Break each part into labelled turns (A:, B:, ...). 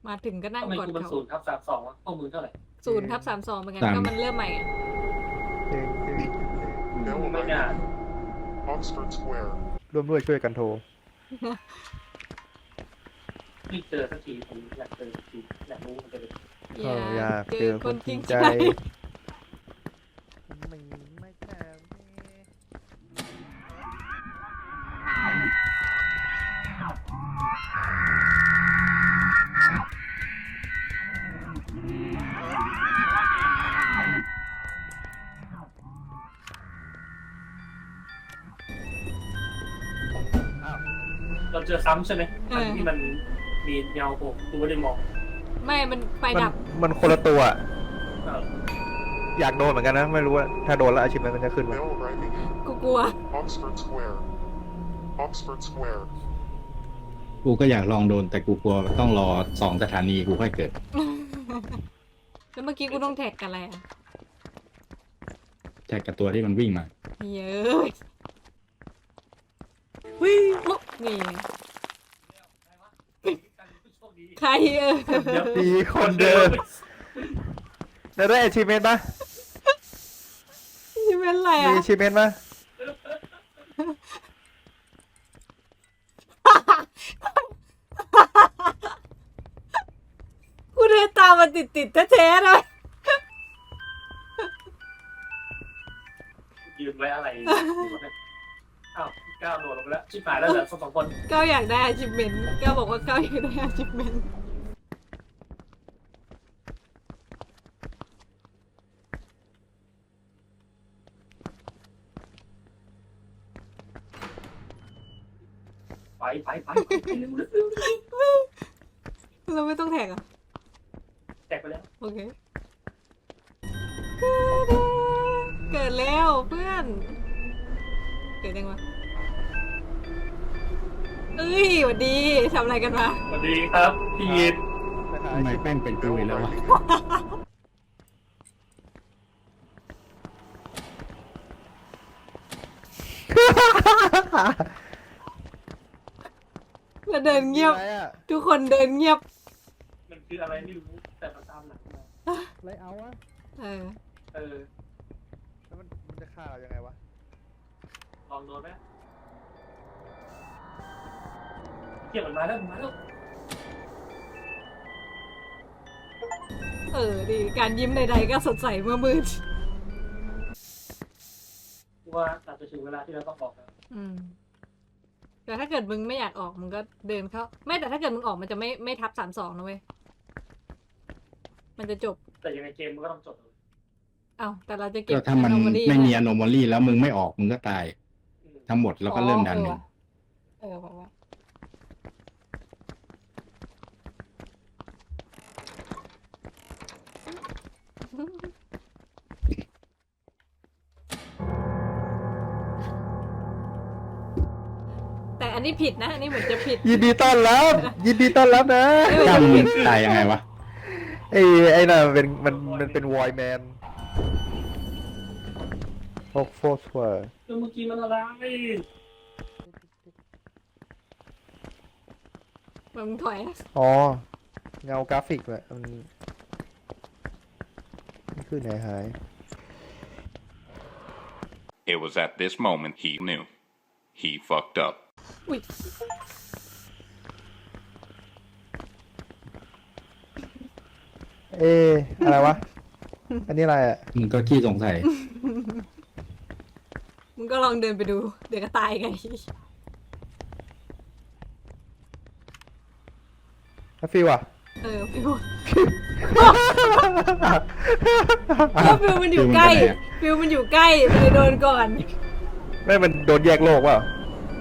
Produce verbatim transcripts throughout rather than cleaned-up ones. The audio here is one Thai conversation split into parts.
A: มาถึงก็นั่ง
B: ทำไม
A: กอด
B: กูมัน
A: เขา
B: ศูนย์ทับสามสองวะข้อมือเท่าไหร่
A: ศูนย์ทับสามสองเหมือนกัน
C: สาม
A: ก็มันเริ่มใหม่อะ
D: เก่งเก่ง
B: ไม่น่า
E: Oxford Square.
D: ร่วมด้วยช่วยกันโทร
B: ไม่เจอสักทีผมอยากเจอสักทีอยากรู้มันจะเป็น
D: เอออยากเจอคนจริงใจ ไม่ไม่แน่
B: เราเจอซ้ำใช่ไหมอันที่มันมีเงาโผล่กูไม่ได้มอง
A: ไม่มันไฟ
D: มัน
A: ดับ
D: มันคนละตัวอะ
B: เออ
D: อยากโดนเหมือนกันนะ ไม่รู้ว่าถ้าโดนแล้วอาชีพมันจะขึ้นไหม
E: Mail arriving in
A: กูกลัว
E: Oxford Square. Oxford Square.
C: กูก็อยากลองโดนแต่กูกลัวต้องรอสองสถานีกูค่อยเกิด
A: แล้วเมื่อกี้กูต้องแท็กกันอะไรอ่ะ
C: แท็กกับตัวที่มันวิ่งมา
A: เยอะวิ่งลุกนี่ไงใครเออ
D: มีคนเดินแล้วได้อาชีพเมนปะ
A: นี่เป็นอะไร
D: มี
A: อ่ะ
D: อาชีพเมนปะ
A: กูเดินตามมาติดติดแท้ๆเลย
B: ยืนไว้อะไรอ้าวก้าวโดดลงไปแล้วชิบหายแล้วเหลือสองคน
A: ก้าวอยากได้ achievement ก้าวบอกว่าก้าวอยากได้ achievement
B: ไปไปไปไปเร็วเร็วเร็ว
A: เราไม่ต้องแท็กอ่ะ
B: แตกไปแล้ว
A: โอเคเกิดแล้วเพื่อน เกิดยังวะเอ้ยสวัสดีทำอะไรกันมา
B: สวัสดีครับพี่ยิน
C: ทำไมแป้งเป็นกู
E: Mail
C: อีกแล้ววะ
E: arriving in
A: แล้วเดินเงียบ
D: อะไรอะ
A: ทุกคนเดินเงียบ
B: มันคืออะไรไม่รู้แต่มันตามหลังมา
D: อะไรเอาอะ
A: เออ
B: เออ
D: แล้วมันมันจะฆ่าเรายังไงวะ
B: ลองโดนไหมเกี่ยวมันมาแล้วมันมาแล้ว
A: เออดีการยิ้มใดๆก็สดใสเมื่อมืด
B: ว่าอาจจะถึงเวลาที่เราต้องออกแล้ว
A: อืม แต่ถ้าเกิดมึงไม่อยากออกมึงก็เดินเข้า ไม่แต่ถ้าเกิดมึงออกมันจะไม่ไม่ทับสามสองนะเว้ย มันจะจบ
B: แต่ยังไงเกมมันก็ต้องจบเลย
A: เอ้าแต่เราจะเก็บ
C: ก็ถ้ามัน
A: anomaly
C: ไม่มี
A: นะ
C: อโนมอลี่แล้วมึงไม่ออกมึงก็ตาย
B: อืม
C: ทั้งหมดแล้วก็เริ่มดันหนึ่ง
A: เออบอกว่า แต่อันนี้ผิดนะ อันนี้เหมือนจะผิด
D: ยินดีต้อนรับ ยินดีต้อนรับนะ
C: ถ้ามึงตายยังไงวะ
D: ไอ้ไอ้น่ะมันเป็นมันมันเป็นวอยแมนโฟกโฟสเวอร์
B: เออเมื่อกี้มันอะไร
A: มึงถอย
D: อ๋อ เงากราฟิกแหละมันมันขึ้นไหนหาย
F: It was at this moment he knew. He fucked up.
A: อุ้ย
D: เอ๊ะอะไรวะ อันนี้อะไรอ่ะ
C: มึงก็ขี้สงสัย
A: มึงก็ลองเดินไปดู เดี๋ยวก็ตายไง
D: แล้วฟิวอ่ะ
A: เออฟิวเพราะฟิวมันอยู่ใกล้ ฟิวมันอยู่ใกล้มันเลยโดนก่อน
D: ไม่มันโดนแยกโลกเปล่า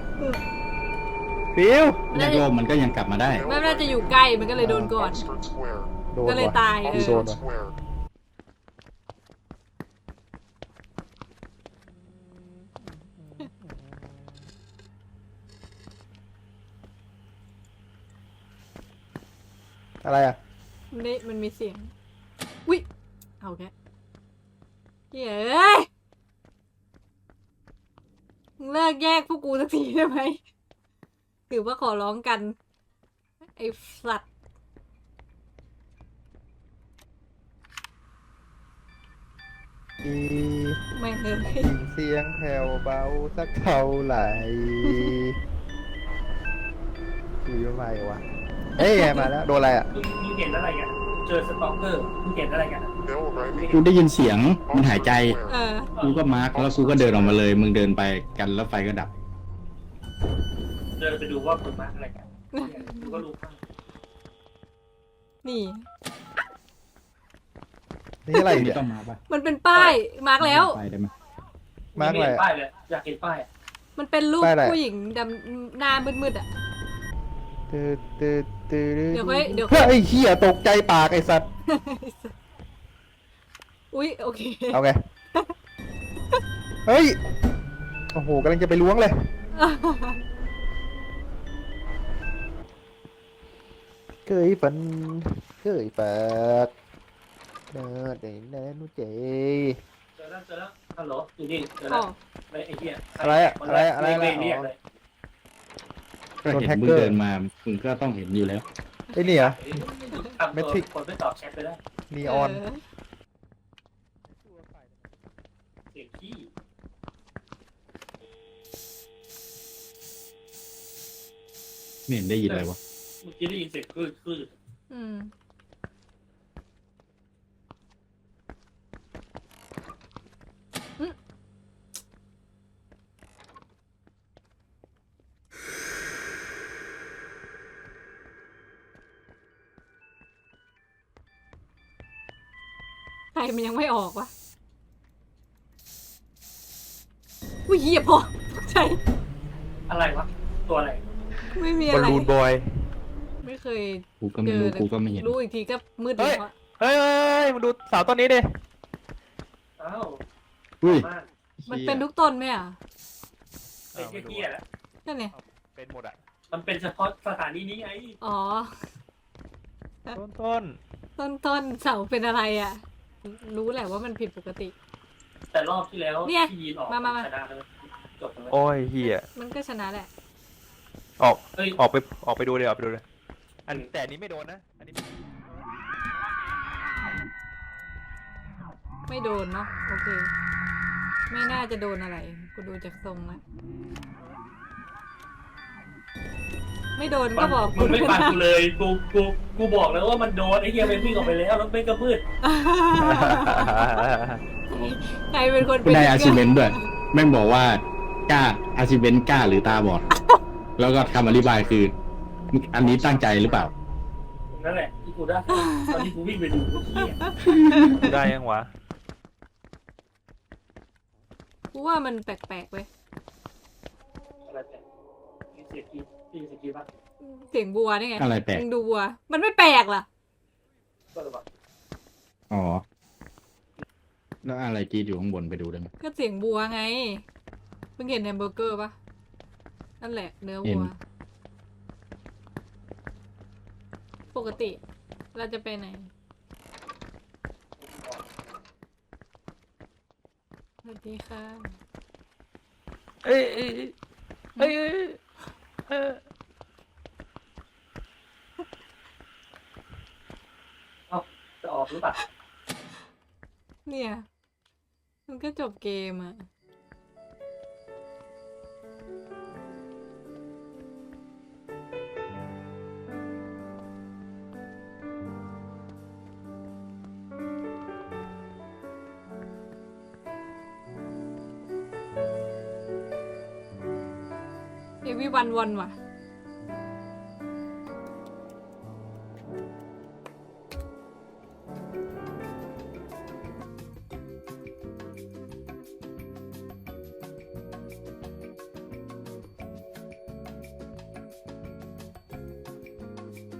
D: ฟิว
C: แยกโลกมันก็ยังกลับมาได้
A: ไม่น่าจะอยู่ใกล้มันก็เลยโดนก่อน
E: Oxford Square.
D: โดน
A: ก็เลย
D: ว่ะ
A: ตายเออ
D: โดน
E: Oxford
D: ว่ะ
E: Square.
D: อะไรอ่ะ
A: มันได้มันมีเสียงอุ้ยเอาแค่เฮ้ยมึงเลิกแยกพวกกูสักทีได้ไหมถือว่าขอร้องกัน ไอ้สัตว์ไม่เลย
D: ยินเสียงแผ่วเบาสักเท่าไหร่คุยว่าไงวะเอ้ยมาแล้วโดนอะไรอ่ะ
B: มึงมึงเห็นอะไรกันเจอสต็อกเกอร์มึงเห็นอะไรกัน
E: Bill Riley.
C: กูได้ยินเสียงมันหายใจ
A: เออ
C: กูก็มาร์กแล้วกูก็เดินออกมาเลย มึงเดินไปกันแล้วไฟก็ดับ
B: เดินไปดูว่าคนมาอะไรกันกูก็รู้ข้าง
A: นี่
D: นี่อะไร
C: ไม่
D: เนี่ย
C: ต้องมาป่ะ
A: มันเป็นป้าย มาร์กแล้ว
C: ไปได้ไหม
D: มาร์กอะไร
B: เห็น
D: อะ
B: ป้ายเลยอยากเห็นป้ายอะ
A: มันเป็นรูป
D: ป้ายอะไร
A: ผู้หญิงดำหน้ามืดๆอ่ะ
D: ตืดตืดตืด
A: เดี๋ยวค่อยเดี๋ยวค่อย
D: เฮ้ยเหี้ยตกใจปากไอ้สัตว์
A: อุ๊ย โอเค
D: เอาไง เฮ้ย โอ้โหกำลังจะไปล้วงเลย เคยฝัน เคยปากเดินได้แน่นุเจ
B: เจอแล้วเจอแล้วฮัลโหลอยู่นี่เจอ
A: อ๋
B: แล้
A: อ
B: วไอ้ไอ้เหี้ย
D: อะไรอะอะไรอะอะไรอะ
B: เรียกเรียกเลย
C: ก็เห็น
D: โดนแฮก
C: มึ
D: เก
C: ง
D: อร์
C: เดินมา มึงก็ต้องเห็นอยู่แล้ว
D: ไอ้นี่เหรอ
B: ทำตัวคนไม่ตอบแชทไปได้
D: นีออน
A: เ
B: เสียงขี้
C: ไม่เห็นได้ยินอะไรวะ
B: เมื่อกี้ได้ยินเสียงคลื่นคลื่น
A: อืม ใครมันยังไม่ออกวะ อุ้ยเหี้ยพอตกใจ
B: อะไรวะตัวอะไร
A: ไม่มี
D: บอ
A: อะ
D: ล
A: ไร
D: ลูนบอย
A: ไม่เคย
C: กูก็ไม่รู้ กูก็ไม่เห็น
A: รู้อีกทีก็มืด
D: เฮ้
A: เลย ยอะ
D: เฮ้ยเฮ้ยมาดูเสาต้นนี้ดิ
B: อ้าว
C: อุ้ย
B: มาก
A: มันเป็นทุกต้นไหมอ่ะ
B: ไอ้เหี้ยๆแหละ
A: นั่นไง
D: เป็นหมดอ่ะ
B: มันเป็นเฉพาะสถานีนี้ไง
A: อ๋อ
D: ต้นต้น
A: ต้นต้นเสาเป็นอะไรอ่ะ รู้แหละว่ามันผิดปกติ
B: แต่รอบที่แล้ว
A: เนี่ย
B: ที่ยีนออก
A: มามามา
B: ชนะเลยจบเลย
D: โอ้ยเฮีย
A: มันก็ชนะแหละ
D: ออก
B: เฮ้ย
D: ออกไป ออกไปดูเลยออกไปดูเลย อันแต่อันนี้ไม่โดนนะ อันนี้
A: ไม่โดนเนาะโอเค ไม่น่าจะโดนอะไร กูดูจากทรงแล้วไม่โดนก็บอก
B: มึงไม่ฟังกูเลยกูกูกูบอกแล้วว่ามันโดนไอ้เหี้ยมันวิ่งออกไปแล้วแล้วไม่กระมืด
A: ใครเป็นคน
C: กูได้อาชิเมนด้วย แม่งบอกว่ากล้าอาชิเมนกล้าหรือตาบอด แล้วก็คำอธิบายคือ อันนี้ตั้งใจหรือเปล่า
B: นั่นแหละที่กูได้ตอนที่กูวิ่งไปดูกูเหี้ย
D: ได้ยังวะ
A: กูว่ามันแปลกๆเว้ย
B: อะไรแต่มีเสียงกีมีเสียงกีบ้าง
A: เสียงบัวนี่ไง
C: อะไรแปลก
A: มึงดูบัว มันไม่แปลกล่ะ
B: ก็เลยบอก
C: อ๋อ แล้วอะไรกรีดอยู่ข้างบนไปดูได้ไหม
A: ก็เสียงบัวไงมึงเห็นแฮมเบอร์เกอร์ปะนั่นแหละ เนื้อ
C: เห็
A: วั
C: น
A: ว ปกติ เราจะไปไหนสวัสดีค่ะ
D: เอ้ยเอ้ยเอ้ยเอ้ยเอ้ย
B: จะออกหรือเปล่า
A: เนี่ย มันก็จบเกมอะเอวีวันวันว่ะ